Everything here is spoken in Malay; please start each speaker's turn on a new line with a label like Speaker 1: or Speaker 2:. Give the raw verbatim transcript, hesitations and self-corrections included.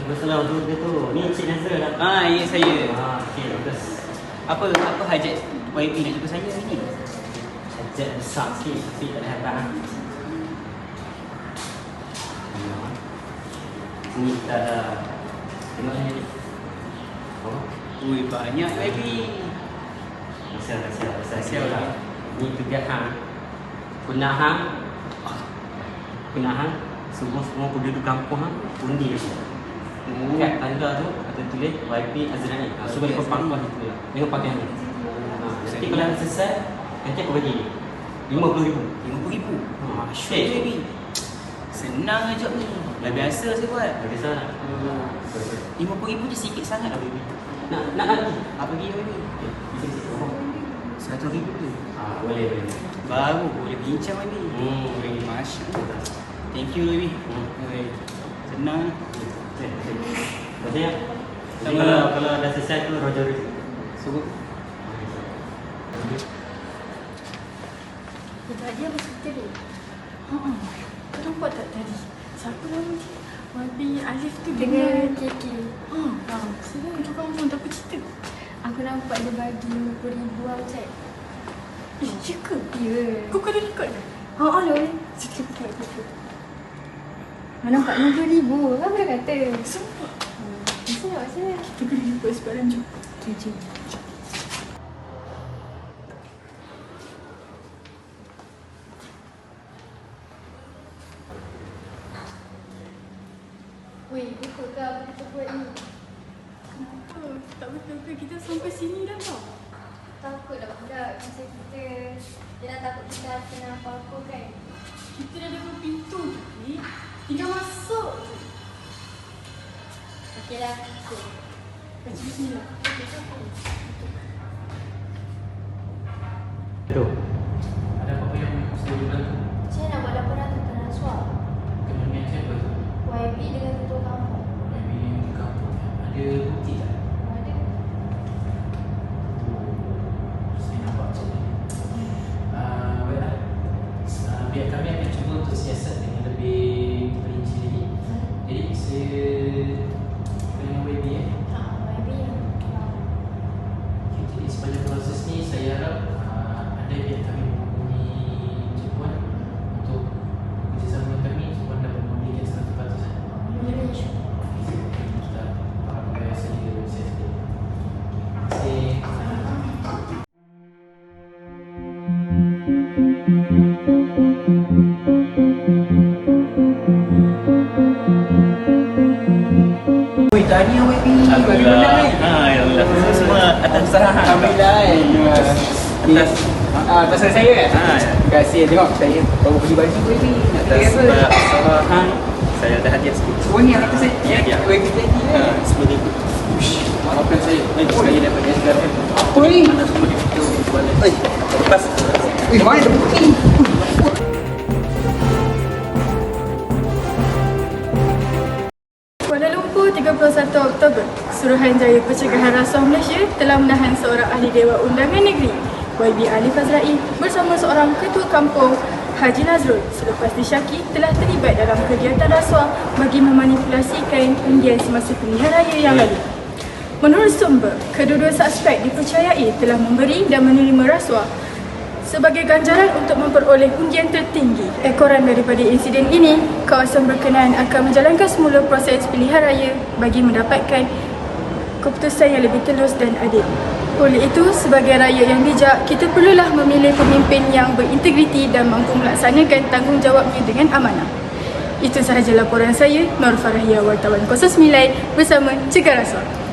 Speaker 1: Betul tu dia tu. Ni Encik Nazrul lah.
Speaker 2: Ah, ya saya.
Speaker 1: Ah, okey, bagus.
Speaker 2: Apa apa hajat Y P nak jumpa saya hari ni?
Speaker 1: Hajat besar sikit tapi tak ada hebat lah. Ni kita ada tengok ni. Oh,
Speaker 2: Ui, banyak Y P.
Speaker 1: Masya Allah, Masya Allah, Masya
Speaker 2: Masya
Speaker 1: Allah.
Speaker 2: Allah.
Speaker 1: Ni tugas hang. Punah hang. Punah hang. Semua-semua penduduk kampung hang undi.
Speaker 2: Oh.
Speaker 1: Kat tangga tu ada tulis Y P Azrani. Ha, so boleh kau pangkuan itu lah. Dengan pakai ni. Ha, nanti kalau dah selesai, nanti aku bagi ni. lima puluh ribu.
Speaker 2: lima puluh ribu.
Speaker 1: Ha,
Speaker 2: Masyur je ni. Senang je ni. Dah biasa saya buat.
Speaker 1: Dah biasa nak.
Speaker 2: lima puluh ribu je sikit sangat lah baby.
Speaker 1: Nak nak lagi.
Speaker 2: Apa pergi baby?
Speaker 1: Okey, sikit-sikit. Oh.
Speaker 2: seratus ribu tu.
Speaker 1: Ah, boleh boleh.
Speaker 2: Baru boleh bincang baby.
Speaker 1: Hmm, boleh.
Speaker 2: Masya Allah. Thank you baby.
Speaker 1: Hmm.
Speaker 2: Oi. Senang.
Speaker 1: Okey, okey. Jadi ya. Jadi kalau kalau dah selesai tu Roger itu.
Speaker 2: Suruh.
Speaker 3: Tadi apa cerita dia? Haa, kau nampak tak tadi? Siapa nama dia? Wabi Alif tu
Speaker 4: Dengan
Speaker 3: dengan
Speaker 4: Kiki.
Speaker 3: Haa, haa, sedang tu kamu tak apa cerita?
Speaker 4: Aku nampak dia bagi lima puluh ribu lah cik.
Speaker 3: Eh, ya ke?
Speaker 4: Ya.
Speaker 3: Kau kena record ke?
Speaker 4: Haa lol. Cik buat gitu. Kau nampak lima puluh ribu. Kau pernah kata.
Speaker 3: Sumpah.
Speaker 4: Masa nak masa.
Speaker 3: Kita kena record sebarang jom.
Speaker 4: Okay, jom. Weh, betul ke apa kita buat ni?
Speaker 3: Kenapa? Tak betul ke kita sampai sini dah tau?
Speaker 4: Takutlah budak macam kita. Dia nak takut kita kena apa-apa kan?
Speaker 3: Kita dah dapat pintu je ni. Tinggal masuk je.
Speaker 4: Okeylah. Okay.
Speaker 3: Baca bismillah.
Speaker 1: Tu. Ada apa-apa yang mesti dibantu?
Speaker 4: Saya nak buat laporan tentang rasuah.
Speaker 1: Kemudian siapa tu?
Speaker 4: Y B dengan ketua kampung.
Speaker 1: Maybe di kampung. Ada bukti tak?
Speaker 4: Ada.
Speaker 1: Saya nampak macam ni. Ah, baiklah. Ah, biar kami akan cuba untuk siasat dengan lebih perinci lagi. Jadi saya dengan Y B eh.
Speaker 4: Ha, Y B yang ketua.
Speaker 1: Okay, jadi sepanjang proses ni saya harap ah, anda biar kami menghubungi Cepuan untuk bekerjasama dengan kami. Cepuan dapat memberikan seratus peratus.
Speaker 4: Boleh insyaAllah.
Speaker 1: Kita faham gaya saya saya sedih. Terima kasih.
Speaker 2: Oi, tahniah Y P. Bagi menang eh.
Speaker 5: Ha, ya Allah. Semua atas usaha hang.
Speaker 2: Alhamdulillah eh.
Speaker 5: Atas
Speaker 2: Ah, pasal saya kan?
Speaker 5: Ha, ya.
Speaker 2: Terima kasih. Tengok saya baru beli baju Y P. Nak
Speaker 5: atas
Speaker 2: beli apa?
Speaker 5: sebab usaha hang saya ada hadiah sikit.
Speaker 2: Oh ni yang kata saya.
Speaker 5: Ya, ya.
Speaker 2: Y P tadi
Speaker 5: Ha,
Speaker 2: eh.
Speaker 5: sepuluh ribu.
Speaker 2: Maafkan saya.
Speaker 5: Eh, saya dapat dia sekarang.
Speaker 2: Apa ni?
Speaker 5: Ada sepuluh ribu. Eh, lepas.
Speaker 2: Eh, mana ada bukti?
Speaker 3: Kuala Lumpur, tiga puluh satu Oktober, Suruhanjaya Pencegahan Rasuah Malaysia telah menahan seorang ahli Dewan Undangan Negeri, Y B Alif Azrai, bersama seorang ketua kampung, Haji Nazrul, selepas disyaki telah terlibat dalam kegiatan rasuah bagi memanipulasikan undian semasa pilihan raya yang lalu. Menurut sumber, kedua-dua suspek dipercayai telah memberi dan menerima rasuah sebagai ganjaran untuk memperoleh undian tertinggi. Ekoran daripada insiden ini, kawasan berkenaan akan menjalankan semula proses pilihan raya bagi mendapatkan keputusan yang lebih telus dan adil. Oleh itu, sebagai rakyat yang bijak, kita perlulah memilih pemimpin yang berintegriti dan mampu melaksanakan tanggungjawabnya dengan amanah. Itu sahaja laporan saya, Nur Farahia, wartawan kosong sembilan bersama Cegah Rasuah.